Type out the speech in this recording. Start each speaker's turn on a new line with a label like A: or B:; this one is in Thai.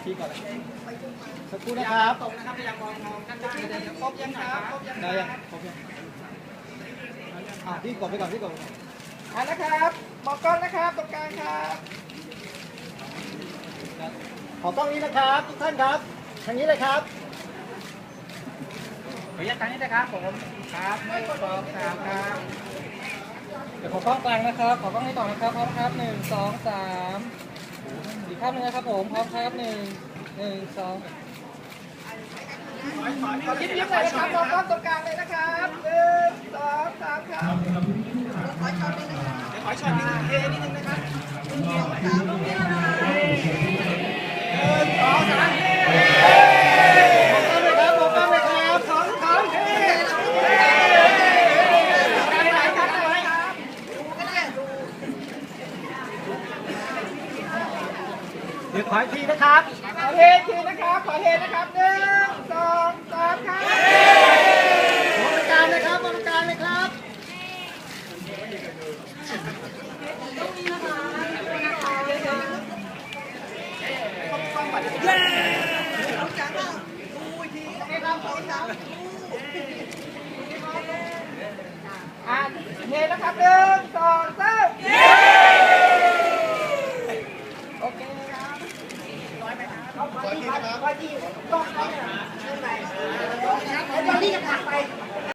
A: ชี้ก่อนสักครู่นะครับ
B: ตรงนะครับพยายามมองด้านล่างเลยครบยังครับครบยัง
A: ได้ยังครบยังพี่กดไปก่อนพี่กดไปก่อน
B: นะครับมองกล้องนะครับตรงกลางครับ
A: ขอกล้องนี้นะครับทุกท่านครับทางนี้เลยครับ
B: ขออนุญาตทางนี้นะครับผมครับ1 2 3ครับ
C: เดี๋ยวขอกล้องกลางนะครับขอกล้องนี้ต่อนะครับพร้อมครับ1 2 3อีกภาพหนึ่งนะครับผมพร้อมครับ1 1 2
B: ขอยิ้มเลยนะครับมองกล้องตรงกลางเลยนะครับ1 2 3ครับเดี๋ยวขอช็อตนึงเทนิดนึงนะครับ1 2 3
A: ขอบคุณเลยครับขอบคุณเลยครับ
B: 2 เทไหนครับไหนครับ
A: เดี๋ยวขออีกทีนะครับ
B: ขอเททีนะครับขอเทนะครับ1 2 3ครับ
A: มองตรงกลางนะครับมองตรงกลางเลยครับ
B: เทนะครับ1 2 3